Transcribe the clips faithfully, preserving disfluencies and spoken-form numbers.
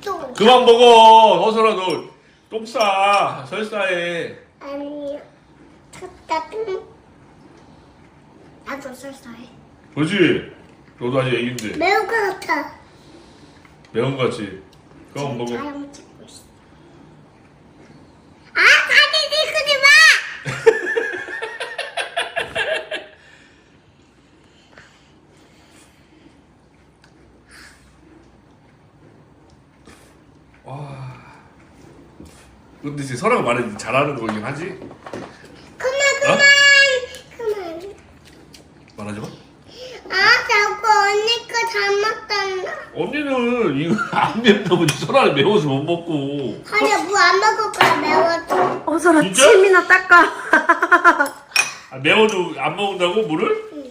똥. 그만 먹어. 허설아 너 똥 싸. 설사해. 아니요. 쳤다 똥. 나도 설사해. 그렇지. 너도 아직 애기인데. 매운 거 같아. 매운 거 같지? 그만 먹어. 촬영 찍고 있어. 아, 사진 찍지 마! 와. 근데 이제 설아가 말해 잘하는 거긴 하지? 그만, 어? 그만. 그만. 말하지 마. 아, 자꾸 언니 거 잘못한다. 언니는 이거 안 맵다고 설아는 매워서 못 먹고. 아니야, 뭐 안 먹을 거야, 매워서. 어서라 진짜? 침이나 닦아. 아, 매워도 안 먹는다고 물을? 응.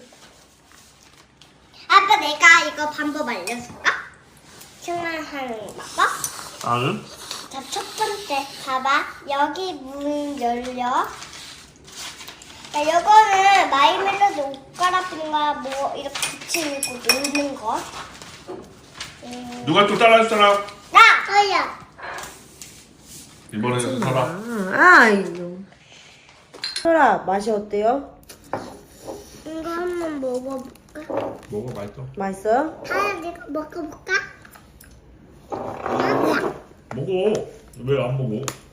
아빠, 내가 이거 방법 알려줄까? 생활하는 방법? 나는? 자, 첫 번째, 봐봐. 여기 문 열려. 자, 요거는 마이멜로디 옷 갈아입는가 뭐 이렇게 붙이는 거 놀는 거. 음. 누가 또 따라할 사람? 나! 저야. 이번에는 설아. 아, 이거. 설아 맛이 어때요? 이거 한번 먹어볼까? 먹어 맛있어. 맛있어요? 하야, 내가 먹어볼까? 아니야. 먹어. 왜 안 먹어?